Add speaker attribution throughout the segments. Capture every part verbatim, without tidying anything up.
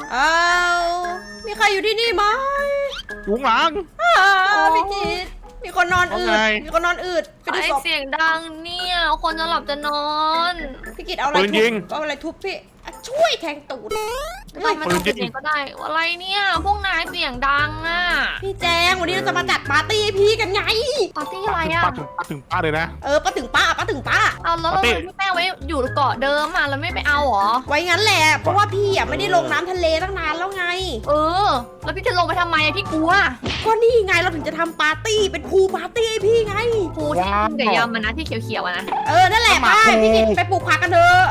Speaker 1: อ้าวมีใครอยู่ที่นี่ไหม
Speaker 2: ยุงหลัง
Speaker 1: อ้าวพี่กิตมีคนนอนอื
Speaker 2: ว่า
Speaker 1: ด
Speaker 2: ไง
Speaker 1: มีคนนอนอืดไปดู
Speaker 3: ไอ
Speaker 1: ศพ
Speaker 3: เสียงดังเนี่ยคนจะหลับจะนอน
Speaker 1: พี่กิตเอาอะไร
Speaker 2: ปืน
Speaker 1: ทุ
Speaker 2: ยิ
Speaker 1: บ
Speaker 2: ง
Speaker 1: เอาอะไรทุบพี่อ่ะช่วยแทงตูด
Speaker 3: ไม่ต้องไม่ต้องปิดเองก็ได้อะไรเนี่ยพวกนายเสียงดังอ่ะ
Speaker 1: พี่แจงวันนี้เราจะมาจัดปาร์ตี้ให้พี่กันไง
Speaker 3: ปาร์ตี้อะไร
Speaker 2: ถึง
Speaker 3: อ่ะ
Speaker 2: ป้าถึงป้าถึงป้าเลยนะ
Speaker 1: เออป้าถึงป้าป้าถึงป้า
Speaker 3: เอาแล้วเรา
Speaker 2: ปาร์ตี้
Speaker 3: พี่แป้งไว้อยู่เกาะเดิมอ่ะแล้วไม่ไปเอาเหรอ
Speaker 1: ไว้งั้นแหละเพราะว่าพี่อ่ะไม่ได้ลงน้ำทะเลตั้งนานแล้วไง
Speaker 3: เออ แล้วพี่จะลงไปทำไมอะพี่กลัว
Speaker 1: ก็นี่ไงเราถึงจะทำปาร์ตี้เป็นพูลปาร์ตี้ให้พี่ไง
Speaker 3: ปูที่กินกับยำมันนะที่เขียวๆอะนะ
Speaker 1: เออนั่นแหละไปพี่กิตไปปลูกผักกันเถอะ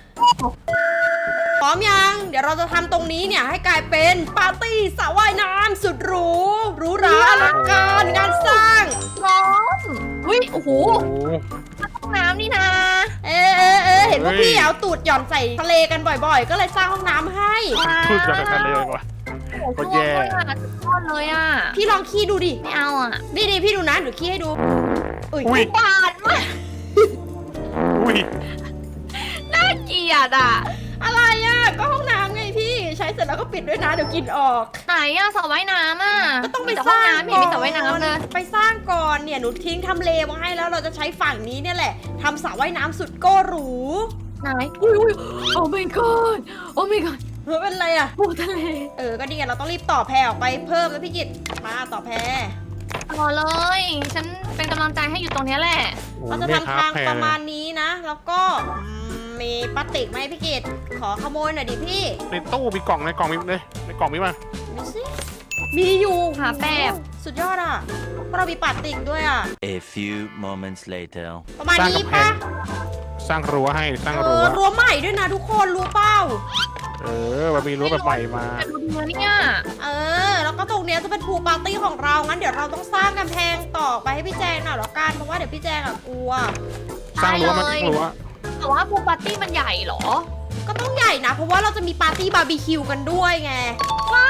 Speaker 1: พร้อมยัง เดี๋ยวเราจะทำตรงนี้เนี่ยให้กลายเป็นปาร์ตี้สระว่ายน้ำสุดหรูหรูหราอลังการงานสร้าง
Speaker 3: พร้อมอุ้ยโอ้โห
Speaker 2: โอ้โห
Speaker 3: ห้องน้ำนี่นะ
Speaker 1: เออเออเออเห็นว่า
Speaker 2: เฮ้ย
Speaker 1: พี่เอาตูดหย่อนใส่ทะเลกันบ่อยๆ ก็เลยสร้างห้องน้ำให้
Speaker 2: พูดจากทะเลเลยว่ะ
Speaker 3: โอ้โห
Speaker 2: ก็แย่
Speaker 3: เลยอ่ะทอดเลยอ่ะ
Speaker 1: พี่ลองขี้ดูดิ
Speaker 3: ไม่เอาอ่ะ
Speaker 1: นี่ดิพี่ดูนะเดี๋ยวขี้ให้ดูอุ้ย
Speaker 2: อุ้ย
Speaker 3: บาดมาก
Speaker 2: อุ้ย
Speaker 3: น่าเกลียดอ่ะ
Speaker 1: อะไรอ่ะก็ห้องน้ำไงพี่ใช้เสร็จแล้วก็ปิดด้วยนะเดี๋ยวกลินออก
Speaker 3: ไหนอ่ะสระว่ายน้ำอ่ะ
Speaker 1: ก็ต้องไป
Speaker 3: มีแต่
Speaker 1: ส
Speaker 3: ห้อง
Speaker 1: ร้าง
Speaker 3: น้ำไม่เห็นมีสระว่ายน้ำเลย
Speaker 1: ไปสร้างก่อนเนี่ยหนูทิ้งทำเลไว้ให้แล้วเราจะใช้ฝั่งนี้เนี่ยแหละทำสระว่ายน้ำสุดโก้หรู
Speaker 3: ไหนอุ้ยอุ้ยโอ้ my god โอ้ my god
Speaker 1: เฮ้ยเป็นไรอ่ะ
Speaker 3: ปูทะเล
Speaker 1: เออก็ดีไงเราต้องรีบต่อแพรออกไปเพิ่มแล้วพี่กิตมาต่อแพร
Speaker 3: รอเลย ฉันเป็นกำลังใจให้อยู่ตรงเนี้ยแหละ
Speaker 1: เราจะทำทางประมาณนี้นะ แล้วก็อืมมีพลาสติกไหมพี่กิตขอขโมยหน่อยดิพี่
Speaker 2: ในตู้มีกล่องในกล่องมีเลยในกล่องมีมา
Speaker 1: ดูสิมีอยู่
Speaker 3: หาแป๊บ
Speaker 1: สุดยอดอ่ะเพราะเรามีพลาสติกด้วยอ่ะ
Speaker 4: A few moments later.
Speaker 1: ประมาณนี้ปะ
Speaker 2: สร้างรั้วให้สร้าง
Speaker 1: เอ
Speaker 2: รั้
Speaker 1: อ
Speaker 2: ว
Speaker 1: รั้วใหม่ด้วยนะทุกคนรู้เปล่า
Speaker 2: เออมันมีรั้วแบบใหม่มา
Speaker 3: แต่ดูดีนะเนี่ย
Speaker 1: เออ แล้วก็ตรงเนี้ยจะเป็นพูลปาร์ตี้ของเรา งั้นเดี๋ยวเราต้องสร้างกำแพงต่อไปให้พี่แจงหน่อยแล้วกัน เพราะว่าเดี๋ยวพี่แจงอะกลัว
Speaker 2: สร้างรั้วมาสร้างรั้ว
Speaker 3: แต่ว่าปูปาร์ตี้มันใหญ่เหรอ
Speaker 1: ก็ต้องใหญ่นะ เพราะว่าเราจะมีปาร์ตี้บาร์บีคิวกันด้วยไง
Speaker 2: ว้าว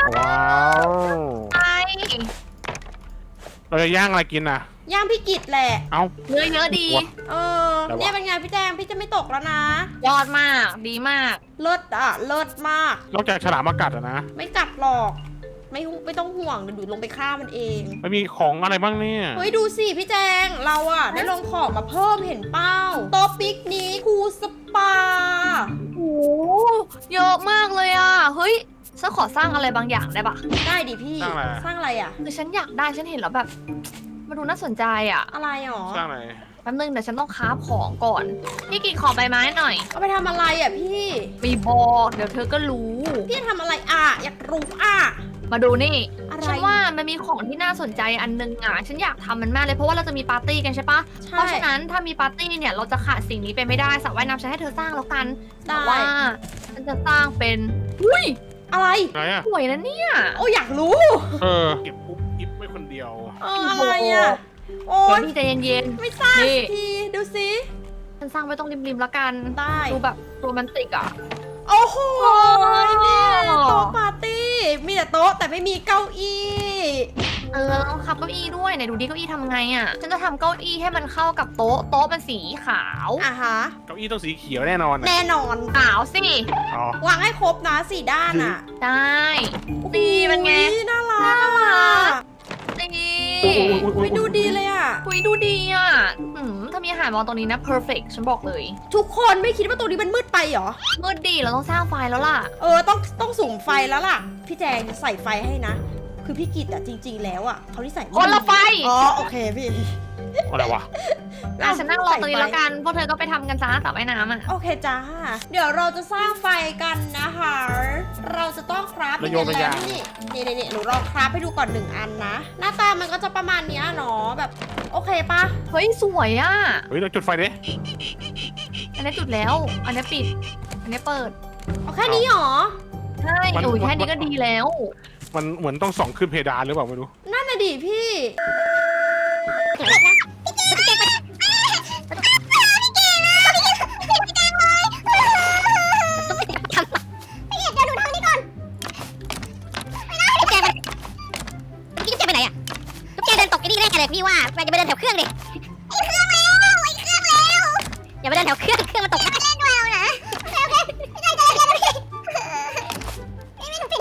Speaker 3: ไอ
Speaker 2: เราจะย่างอะไรกินอ่ะ
Speaker 1: ย่างพี่กิตแหละ
Speaker 2: เอ้า
Speaker 3: เนื้อเยอะดี
Speaker 1: เออ
Speaker 2: แต่ว่า
Speaker 1: เนี่ยเป็นไงพี่แจง พี่จะไม่ตกแล้วนะ
Speaker 3: ยอดมาก ดีมาก
Speaker 1: เลิศอ่ะ เลิศมาก
Speaker 2: นอกจากฉลามมากัดอะนะ
Speaker 1: ไม่กัดหรอก ไม่ไม่ต้องห่วงเดี๋ยวดูลงไปฆ่ามันเอง
Speaker 2: มันมีของอะไรบ้างเนี่ย
Speaker 1: เฮ้ยดูสิพี่แจง เราอะได้ลงของมาเพิ่มเห็นเป้าโต๊ะปิกนิกพูลสปา
Speaker 3: โอ้เยอะมากเลยอ่ะ เฮ้ย ฉันขอสร้างอะไรบางอย่างได้ปะ
Speaker 1: ได้ดิพี่
Speaker 2: สร้างอะไร
Speaker 1: สร้างอะไรอะ
Speaker 3: คือฉันอยากได้ ฉันเห็นแล้วแบบ มันดูน่าสนใจอ่ะ
Speaker 1: อะไรหรอ
Speaker 2: สร้างอะไร
Speaker 3: แป๊บนึงเดี๋ยวฉันต้องค้าของก่อน พี่กินขอใบไม้หน่อย
Speaker 1: เอาไปทำอะไรอ่ะพี่
Speaker 3: มีบอกเดี๋ยวเธอก็รู้
Speaker 1: พี่ทำอะไรอ่ะ อยากรู้อ่ะ
Speaker 3: มาดูนี่
Speaker 1: อะไร
Speaker 3: ฉันว่ามันมีของที่น่าสนใจอันนึงอ่ะ ฉันอยากทำมันมากเลยเพราะว่าเราจะมีปาร์ตี้กันใช่ปะ
Speaker 1: ใช่
Speaker 3: เพราะฉะนั้นถ้ามีปาร์ตี้เนี่ยเราจะขาดสิ่งนี้ไปไม่ได้สระว่ายน้ำฉันให้เธอสร้างแล้วกัน
Speaker 1: ได้
Speaker 3: แต่ว่าฉันจะสร้างเป็น อุ้ย
Speaker 1: อะไร
Speaker 2: ไหนอ่ะ
Speaker 3: สวยนะเนี่ย
Speaker 1: โอ้อยากรู้
Speaker 2: เออเก็บปุ๊บอิบไว้คนเดียว
Speaker 1: เอออะไรอ่ะ โอ้
Speaker 3: เดี๋ยวย พี่ใจเย็น
Speaker 1: ไม่ทราบ
Speaker 3: นี่
Speaker 1: สักทีดูสิ
Speaker 3: ๆฉันสร้างไว้ตรงริมๆแล้วกัน
Speaker 1: ได้
Speaker 3: ดูแบบโรแมนติกอ่ะ
Speaker 1: โอ้โห
Speaker 3: เนี่ย
Speaker 1: โต๊ะปาร์ตี้ มีแต่โต๊ะแต่ไม่มีเก้าอี้
Speaker 3: เออแล้วต้องขับเก้าอี้ด้วยไหนดูดิเก้าอี้ทำไงอ่ะ ฉันจะทำเก้าอี้ให้มันเข้ากับโต๊ะ โต๊ะมันสีขาว
Speaker 1: อ่ะฮะ
Speaker 2: เก้าอี้ต้องสีเขียวแน่นอนอะ
Speaker 1: แน่นอน
Speaker 3: ขาวสิ
Speaker 2: อ๋อ
Speaker 1: วางให้ครบนะสี่ด้านอ่ะ
Speaker 3: ได้ดีเป็นไง
Speaker 1: อุ๊ยน่ารัก
Speaker 3: น่ารัก ดี
Speaker 1: ไม่ดูดีเลยอ่ะ
Speaker 3: คุยดูดีอ่ะอืมถ้ามีอาหารวางตรงนี้นะ perfect ฉันบอกเลย
Speaker 1: ทุกคนไม่คิดว่าตัวนี้มันมืดไปเหรอ
Speaker 3: มืดดีเราต้องสร้างไฟแล้วล่ะ
Speaker 1: เออต้องต้องสุ่มไฟแล้วล่ะ พี่แจงใส่ไฟให้นะ คือพี่กิตอะจริง ๆ แล้วอะเขาที่ใส่
Speaker 3: คนละไฟ
Speaker 1: อ๋อโอเคพี่
Speaker 2: อะไรวะ
Speaker 3: อ่ะฉันนั่งรอตรงนี้แล้วกัน พวกเธอก็ไปทำกันจ้าสระว่ายน้ำอ่ะ
Speaker 1: โอเคจ้า เดี๋ยวเราจะสร้างไฟกันนะคะ เราจะต้องคราฟ
Speaker 2: ระโยงระยาง
Speaker 1: นี่นี่นี่หนูลองคราฟให้ดูก่อนหนึ่งอันนะ หน้าตามันก็จะประมาณเนี้ยเนาะแบบโอเคปะ
Speaker 3: เฮ้ย สวยอ่ะ
Speaker 2: เฮ้ยเราจุดไฟดิ
Speaker 3: อันนี้จุดแล้ว อันนี้ปิด อันนี้เปิด
Speaker 1: เอาแค่นี้หรอ
Speaker 3: ใช่โอ้ยแค่นี้ก็ดีแล้ว
Speaker 2: มันเหมือนต้องส่องขึ้นเพดานหรือเปล่าไม่รู้
Speaker 1: นั่นน่ะดิพี่
Speaker 5: พี่ว่าไปจะไปเดินแถวเครื่องดิไอ้เครื่องแล้วไอ้เครื่องแล้วอย่าไปเดินแถวเครื่องเครื่องมันตกนะเล่นด้วยเอานะโอเคโอเคไม่ได้จะเล่นแล้วพี่ไม่ไม่ถูกผิด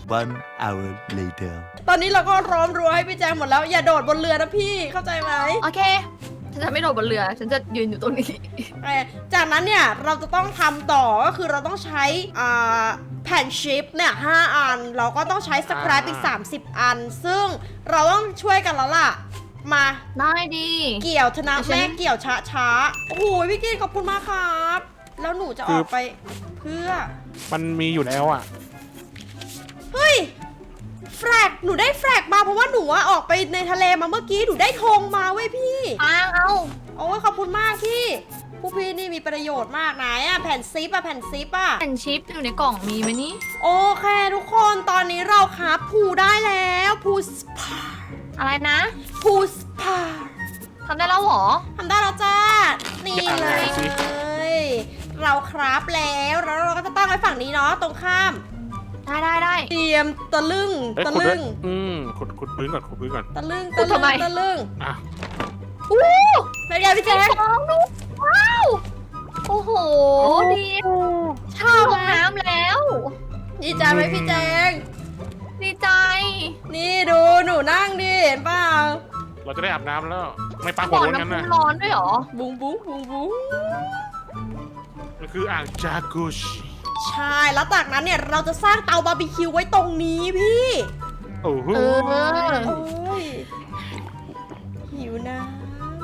Speaker 4: One hour later.
Speaker 1: ตอนนี้เราก็ร้อมรั้วให้พี่แจงหมดแล้วอย่าโดดบนเรือนะพี่เข้าใจไหม
Speaker 3: โอเค ฉันจะไม่โดดบนเรือ ฉันจะยืนอยู่ตรงนี้
Speaker 1: เอ่อจากนั้นเนี่ยเราจะต้องทำต่อก็คือเราต้องใช้อ่าแผ่นชิปเนี่ยห้าอัน เราก็ต้องใช้สครับอีกสามสิบอัน ซึ่งเราต้องช่วยกันแล้วล่ะมา
Speaker 3: ได้ดี
Speaker 1: เกี่ยวธนา
Speaker 3: แต่ฉัน
Speaker 1: แม่เกี่ยวช้าช้าๆโอ้โหพี่กินขอบคุณมากครับแล้วหนูจะออกไปเพื่อ
Speaker 2: มันมีอยู่แล้วอ่ะ
Speaker 1: เฮ้ยแฟลกหนูได้แฟลกมาเพราะว่าหนูอะออกไปในทะเลมาเมื่อกี้หนูได้ธงมาเว้ยพี่
Speaker 3: อ้างเอา
Speaker 1: โอ้ยขอบคุณมากพี่ผู้พี่นี่มีประโยชน์มากไหนอะแผ่นซิปอะแผ่นซิปอะ
Speaker 3: แผ่นชิปอยู่ในกล่องมีไหมนี่
Speaker 1: โอเคทุกคนตอนนี้เราครับพูได้แล้วพูสปา
Speaker 3: อะไรนะ
Speaker 1: พูสปา
Speaker 3: ทำได้แล้วเหรอ
Speaker 1: ทำได้แล้วจ้านี่เลย
Speaker 2: สิ
Speaker 1: เราครับแล้วแล้วเราก็จะตั้งไว้ฝั่งนี้เนาะตรงข้าม
Speaker 3: ได้ได้ได้
Speaker 1: เตรียมตะลึง
Speaker 2: เอ้ย
Speaker 1: ตะ
Speaker 2: ขุดด้
Speaker 1: ลึ
Speaker 2: วย
Speaker 1: ง
Speaker 2: อืมขุดขุดพื้นก่อนขุดพื้นก่อน
Speaker 1: ตะลึง
Speaker 3: ขุ
Speaker 1: ตะ
Speaker 3: ด
Speaker 1: ลึ
Speaker 3: ทำ
Speaker 1: ง
Speaker 3: ไม
Speaker 1: ตะลึง
Speaker 2: อ่ะ
Speaker 3: อู้
Speaker 1: เป็นไงพี่แจ๊ค
Speaker 3: ฟองดูว้าว โอ้โห ดี
Speaker 1: ชอบ
Speaker 3: ลง
Speaker 1: นะ
Speaker 3: น้ำแล้ว
Speaker 1: ดีใจไหมพี่แจ๊ค
Speaker 3: ดีใจ
Speaker 1: นี่ดูหนูนั่งดิเห็นเปล่า
Speaker 2: เราจะได้อาบน้ำแล้ว ไม่ปลาหั
Speaker 3: บ่
Speaker 2: ว
Speaker 3: อ
Speaker 2: ร้อนกัน
Speaker 3: น้ำพุ
Speaker 2: นะ
Speaker 3: ร้อนด้วยเหรอ
Speaker 1: บุ้งบุ้งบุ้งบุ้ง
Speaker 2: มันคืออ่างจากุช
Speaker 1: ใช่แล้วจากนั้นเนี่ยเราจะสร้างเตาบาร์บีคิวไว้ตรงนี้พี่
Speaker 2: โอ้โห
Speaker 3: เออ
Speaker 1: โอ้ยหิวน้ำ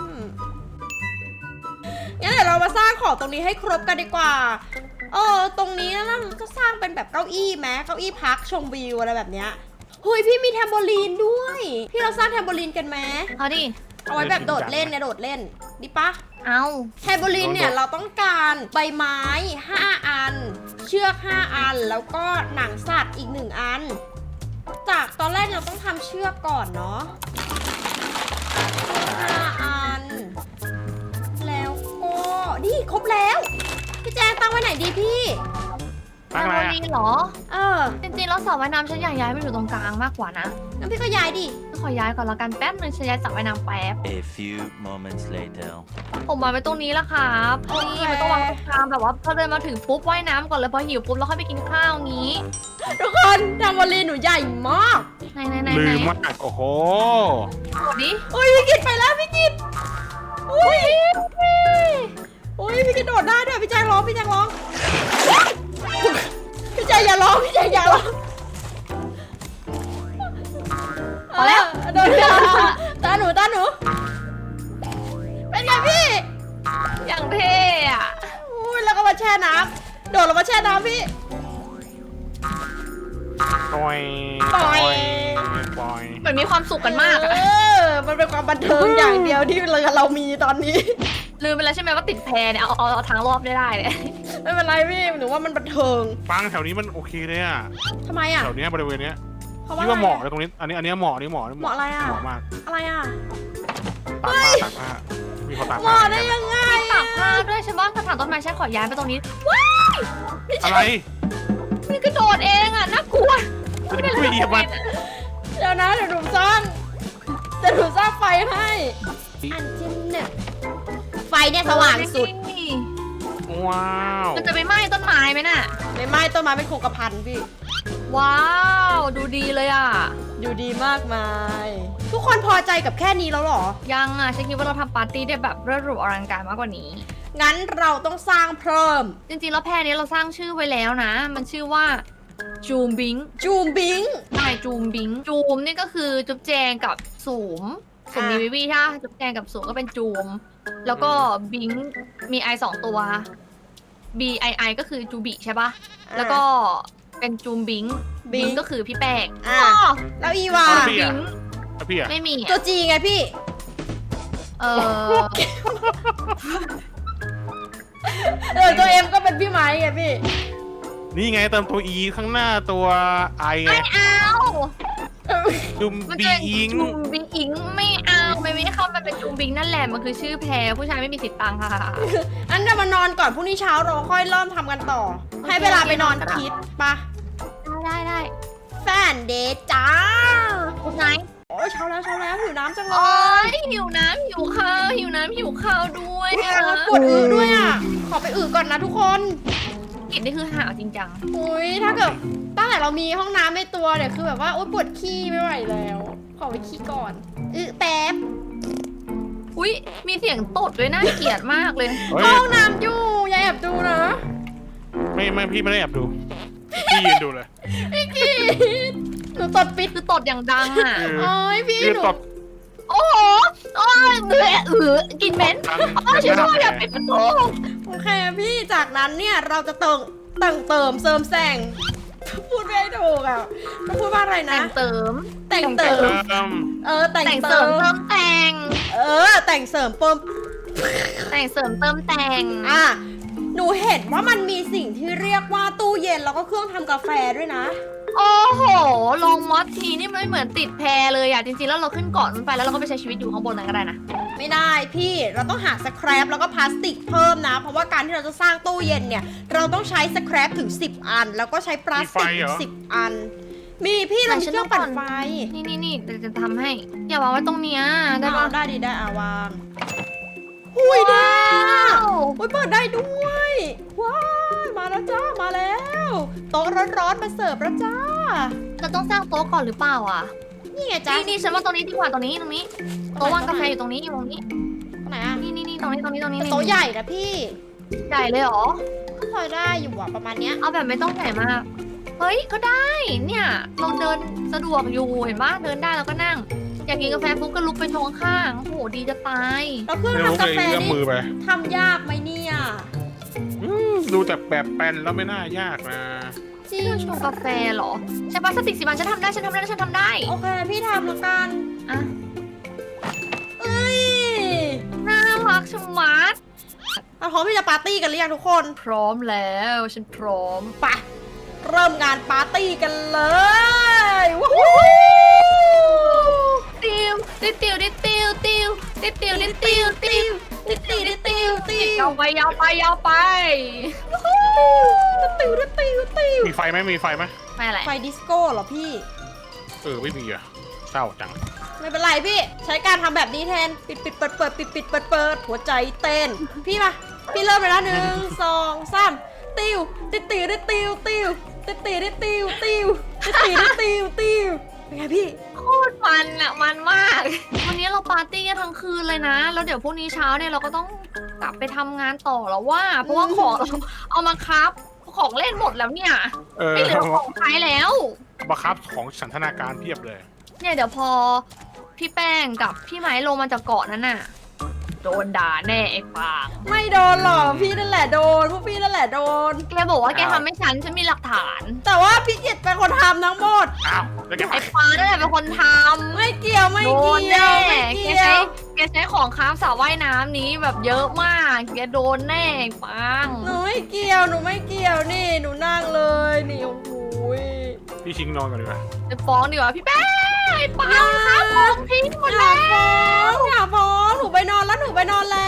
Speaker 1: งั้นเดี๋ยวเรามาสร้างของตรงนี้ให้ครบกันดีกว่า เออตรงนี้นะเราจะสร้างเป็นแบบเก้าอี้ไหมเก้าอี้พักชมวิวอะไรแบบเนี้ยเฮ้ยพี่มีแทมโบลีนด้วย พี่เราสร้างแทมโบลีนกันไหม
Speaker 3: เอาดิ
Speaker 1: เอาไว้แบบโดดเล่นเนี่ยโดดเล่นดีปะ
Speaker 3: เอา
Speaker 1: แทมโบลีนเนี่ยเราต้องการใบไม้ห้าอัน เชือกห้าอัน แล้วก็หนังสัตว์อีกหนึ่งอัน จากตอนแรกเราต้องทำเชือกก่อนเนาะห้าอัน แล้วก็นี่ครบแล้ว พี่แจงตั้งไว้ไหนดีพี่
Speaker 2: ตั้งอะไร
Speaker 3: แอ
Speaker 2: อ่ะ
Speaker 3: โมลีนเหรอ
Speaker 1: เออ
Speaker 3: จริงๆแล้วสระว่ายน้ำฉันอยากย้ายไปอยู่ตรงกลางมากกว่านะ
Speaker 1: งั้นพี่ก็ย้ายดิ
Speaker 3: ขอย้ายก่อนละกันแป๊บนึงฉันย้ายสระว่ายน้ำแป๊บ
Speaker 4: A few moments later.
Speaker 3: ผมวางไว้ตรงนี้แล้วครับ
Speaker 1: โอเค
Speaker 3: นี่มันต้องวางตรงกลางแบบว่าพอเดินมาถึงปุ๊บว่ายน้ำก่อนเลยพอหิวปุ๊บแล้วค่อยไปกินข้าวงี้
Speaker 1: ทุกคนแทมโบลีนหนูใหญ่มาก
Speaker 3: ไหนไหนไหน
Speaker 2: ลื
Speaker 3: ไหน
Speaker 2: มมากโอ้โห
Speaker 3: กดดิ
Speaker 1: โอ้ยพี่กิดไปแล้วพี่กิดอุ้ยโอ้ยพี่กิดโดดได้ด้วยพี่แจงร้องพี่แจงร้อง พี่แจงอย่าร้องพี่แจงอย่าร้อง
Speaker 3: พอแล้ว
Speaker 1: โดนแล้วตาหนูตาหนูเป็นไงพี่
Speaker 3: อย่างเท่อะ
Speaker 1: อุ้ยแล้วก็มาแช่น้ำโดดลงมาแช่น้ำพี่
Speaker 2: ปล่อย
Speaker 1: ปล่อย
Speaker 2: ปล่อย
Speaker 3: เหมือนมีความสุขกันมาก
Speaker 1: เอ
Speaker 3: อะ
Speaker 1: อมันเป็นความบันเทิงอย่างเดียวที่เรามีตอนนี้
Speaker 3: ลืมไปแล้วใช่ไหมว่าติดแพเนี่ยเอาเอาเอาทางรอบได้ได้เลย
Speaker 1: ไม่เป็นไรพี่หนูว่ามันบันเทิง
Speaker 2: ฟังแถวนี้มันโอเคเลยอ่ะ
Speaker 1: ทำไมอ่ะ
Speaker 2: แถวเนี้ยบริเวณเนี้ย
Speaker 1: เพราะ
Speaker 2: คิด
Speaker 1: ว่า
Speaker 2: ว่าเหมาะเลยตรงนี้ อันนี้อันนี้เหมาะนี่เหมาะนี่
Speaker 1: เหมาะอะไรอ่ะ
Speaker 2: เหมาะมาก
Speaker 1: อะไรอ่ะ
Speaker 2: ตากผ้าตากผ้ามีเขาตาก
Speaker 1: เห
Speaker 2: ผ้า
Speaker 1: มาะได้ยังไง
Speaker 3: ตากผ้าด้วยฉันว่ากระถางต้นไม้ฉันขอย้ายไปตรงนี้
Speaker 2: อะไร
Speaker 3: นี่กระโดดเองอะน่ากลัว
Speaker 2: จะไปคุยเหยียบมัน
Speaker 1: เดี๋ยวนะเดี๋ยวหนูสร้างเดี๋ยวหนูสร้างไฟให้ อันที่หนึ่งไฟเนี่ยสว่างสุด
Speaker 3: นี่
Speaker 2: ว้าว
Speaker 3: มันจะไปไหม้ต้นไม้ไหมน่ะ
Speaker 1: ไม่ไหม้ต้นไม้เป็นโคกระพันพี่
Speaker 3: ว้าว ดูดีเลยอะ
Speaker 1: อยู่ดีมากมาย ทุกคนพอใจกับแค่นี้แล้วเหรอ
Speaker 3: ยังอะฉันคิดว่าเราทำปาร์ตี้ได้แบบเรื่อหรูอลังการมากกว่านี้
Speaker 1: งั้นเราต้องสร้างเพิ่ม
Speaker 3: จริงๆแล้วแพรนี้เราสร้างชื่อไว้แล้วนะ มันชื่อว่าจูมบิง
Speaker 1: จูมบิง
Speaker 3: ใช่จูมบิง จูมนี่ก็คือจุ๊บแจงกับสูมสูม
Speaker 1: อ่ะ
Speaker 3: มีวิวีถ้าจุ๊บแจงกับสูมก็เป็นจูม แล้วก็บิงมีไอสองตัว B I I ก็คือจูบิใช่ปะแล้วก็เป็นจูมบิง บิงก็คือพี่แป้ง
Speaker 1: อ่ะแล้วอีวา
Speaker 2: แล้วพี่
Speaker 3: บิ
Speaker 2: อ่ะ
Speaker 3: ง
Speaker 2: แล้วพี่อ่ะ
Speaker 3: ไม่มี
Speaker 1: ตัว
Speaker 3: อะ
Speaker 1: จีไงพี่
Speaker 3: เออ
Speaker 1: เออตัวเอ็มก็เป็นพี่ไม้ไงพี่
Speaker 2: นี่ไงเติมตัว E ข้างหน้าตัว I ไง
Speaker 3: ไม่เอา
Speaker 2: จุม
Speaker 3: มัน
Speaker 2: บี
Speaker 3: จะ
Speaker 2: อิง
Speaker 3: จูมบิงอิงไม่เอาไม่ไม่ได้เข้ามาเป็นจูมบิงนั่นแหละมันคือชื่อแพรผู้ชายไม่มีสิทธิ์ตังค่ะ
Speaker 1: อันเดี๋ยวมานอนก่อนพรุ่งนี้เช้าเราค่อยเริ่มทำกันต่อ ให้เวลาไปนอนคิดปะ
Speaker 3: ได้ได้
Speaker 1: แฟนเดทจ้า
Speaker 3: คุณไนท์
Speaker 1: โอ้ยเช้าแล้วเช้าแล้วหิวน้ำจังเล
Speaker 3: โอ้
Speaker 1: ย
Speaker 3: ยหิวน้ำหิวข้าวหิวน้ำหิวข้าวด้วยอะ
Speaker 1: ปวดอึด้วยอ่ะ ขอไปอึก่อนนะทุกคน
Speaker 3: กินนี่คือหาวจริงจัง
Speaker 1: อุ้ยถ้าเกิดตั้งแต่เรามีห้องน้ำในตัวเนี่ยคือแบบว่าโอ๊ยปวดขี้ไม่ไหวแล้ว ขอไปขี้ก่อนอือแป๊บ
Speaker 3: อุ้ยมีเสียงตดด้วยน่าเกลียดมากเลย
Speaker 2: เฮ้ย
Speaker 1: ห้องน้ำอยู่อย่าแอบดูนะ
Speaker 2: ไม่ไม่พี่ไม่ได้แอบดู พี่ยืนดูเลย
Speaker 1: พี่กีดหนูตดปิด
Speaker 3: คือตดอย่างดังอ่ะ
Speaker 2: คือ
Speaker 1: โอ้ยพี่
Speaker 2: ยืน
Speaker 1: หนู
Speaker 2: ตบ
Speaker 3: โอ้โหโอ้ยเบื่อเออกินเหม็น
Speaker 2: ดัง
Speaker 3: โอ้ยช่วยด้วยอย่าปิดประตู
Speaker 1: โอเคพี่จากนั้นเนี่ยเราจะเติมเติมเติมเสริมแสงพูดไม่ถูกอ่ะต้องพูดว่าอะไรนะ
Speaker 3: แต่งเติม
Speaker 1: แต่งเติ
Speaker 2: เติ
Speaker 1: ม
Speaker 2: ม
Speaker 1: เออแต่ง
Speaker 3: แต่ง
Speaker 1: เติ
Speaker 3: เสริม
Speaker 1: ม
Speaker 3: เติมแต่ง
Speaker 1: เออแต่งเสริมเปิม
Speaker 3: แต่งเสริมเติมแต่ง
Speaker 1: อ่ะหนูเห็นว่ามันมีสิ่งที่เรียกว่าตู้เย็นแล้วก็เครื่องทำกาแฟด้วยนะ
Speaker 3: โอ้โห ลงมอสทีนี่มันเหมือนติดแพเลยอ่ะ จริงๆ แล้วเราขึ้นเกาะมันไปแล้วเราก็ไปใช้ชีวิตอยู่ข้างบนนั้นก็ได้นะ
Speaker 1: ไม่ได้พี่เราต้องหาสแครปแล้วก็พลาสติกเพิ่มนะ เพราะว่าการที่เราจะสร้างตู้เย็นเนี่ย เราต้องใช้สแครปถึงสิบอัน แล้วก็ใช้พลาสติกถึงสิบอัน มีพี่เรามีเครื่องปั่นไฟ
Speaker 3: นี่นี่นี่จะจะทำให้ อย่าวางไว้ตรงเนี้ยได้
Speaker 1: ได้
Speaker 3: ปะ
Speaker 1: ได้ดีได้อาวางหุยได้
Speaker 3: ว้าว
Speaker 1: อุ้ยเปิดได้ด้วยว้ายมาแล้วจ้ามาแล้วโต๊ะร้อนๆมาเสิร์ฟแล้วจ้า
Speaker 3: เราต้องสร้างโต๊ะก่อนหรือเปล่าอ่ะ
Speaker 1: นี่ไงจ้า
Speaker 3: นี่นี่ฉันว่าตรงนี้ดีกว่าตรงนี้ตรงนี้ โต๊ะวางกาแฟอยู่ตรงนี้อยู่ตรงนี้
Speaker 1: ตรงไหนอ่ะ
Speaker 3: นี่นี่นี่ตรงนี้ตรงนี้ตรงนี้
Speaker 1: โต๊ะใหญ่นะพี่
Speaker 3: ใหญ่เลยเหรอ
Speaker 1: ก็พอได้อยู่อะประมาณเนี้ย
Speaker 3: เอาแบบไม่ต้องใหญ่มาก เฮ้ย ก็ได้ เนี่ย เราเดินสะดวกอยู่เห็นปะเดินได้แล้วก็นั่ง อยากกินกาแฟปุ๊บก็ลุกไปชงข้างๆโอ้โห ดีจะตาย
Speaker 1: แล้วเครื่อง
Speaker 2: ไม่รู้
Speaker 1: ทำกา
Speaker 2: เลย
Speaker 1: แฟ
Speaker 2: เอื้อม
Speaker 1: นี่
Speaker 2: มือไป
Speaker 1: ทำยากไหมเนี่ย
Speaker 2: อืมดูแต่แบบแปลนแล้วไม่น่ายากนะ
Speaker 1: จริง
Speaker 3: เครื่องชงกาแฟเหรอ ใช่ปะสติกสิบันฉันทำได้ ฉันทำได้ ฉันทำได้
Speaker 1: โอเคพี่ทำแล้วกัน
Speaker 3: อ่ะ
Speaker 1: เอ้ย
Speaker 3: น่ารักชะมัด
Speaker 1: เราพร้อมที่จะปาร์ตี้กันหรือยังทุกคน
Speaker 3: พร้อมแล้ว ฉันพร้อม
Speaker 1: ไปเริ่มงานปาร์ตี้กันเลยว้าว
Speaker 3: ติวติวติวติวติวติวติวติวติวติว
Speaker 1: ติดติดติดติดติด
Speaker 3: ยาวไปยาวไปยาวไป
Speaker 1: ติวติวติวติว
Speaker 2: มีไฟไหมมีไฟไหม
Speaker 3: ไม่อะไร
Speaker 1: ไฟดิสโก้เหรอพี่
Speaker 2: เออไม่มีอ่ะเศร้าจัง
Speaker 1: ไม่เป็นไรพี่ ใช้การทำแบบนี้แทน ปิดปิดเปิดเปิดปิดปิดเปิดเปิดหัวใจเต้น พี่มา พี่เริ่มเลยนะหนึ่งสองสามติวติดติวติดติวติวติดติวติดติวติวติดติวติดติวติวเป็นไงพี่
Speaker 3: โคตรมันอะมันมาก วันนี้เราปาร์ตี้กันทั้งคืนเลยนะ แล้วเดี๋ยวพรุ่งนี้เช้าเนี่ยเราก็ต้องกลับไปทำงานต่อแล้วว่า เพราะว่าของเราเอามาครับของเล่นหมดแล้วเนี่ย
Speaker 2: เออ
Speaker 3: ไม่เหลือของใช้แล้ว
Speaker 2: บังคับของสันทนาการเพียบเลย
Speaker 3: เนี่ยเดี๋ยวพอพี่แป้งกับพี่ไม้ลงมาจากเกาะนั้นน่ะ โดนด่าแน่ไอ้ปาง
Speaker 1: ไม่โดนหรอกพี่นั่นแหละโดนพวกพี่นั่นแหละโดน
Speaker 3: แกบอกว่าแก
Speaker 2: อ้าว
Speaker 3: ทำให้ฉันฉันมีหลักฐาน
Speaker 1: แต่ว่าพี่เกียรติเป็นคนทำทั้งหมด
Speaker 2: อ้าวแล้วแก
Speaker 3: ไอ้ปางนั่นแหละเป็นคนทำ
Speaker 1: ไม่เกี่ยวไม่
Speaker 3: โดน
Speaker 1: เกี่ย
Speaker 3: แน่
Speaker 1: วไม่
Speaker 3: แก
Speaker 1: เกี่ย
Speaker 3: ใช้
Speaker 1: ว
Speaker 3: แกใช้ของค้าสระว่ายน้ำนี้แบบเยอะมากแกโดนแน่ไอ้ปาง
Speaker 1: หนูไม่เกี่ยวหนูไม่เกี่ยวนี่หนูนั่งเลยนี่โอ้โหย
Speaker 2: พี่ชิงนอนก่อนดีกว่า
Speaker 3: จะฟ้องดีกว่าพี่แป้งไอ้ปางค้าของทิ้งหมด
Speaker 1: อย่า
Speaker 3: แล้ว
Speaker 1: ฟ้องอย่าฟ้องหนูไปนอนแล้วหนูไปนอนแล้ว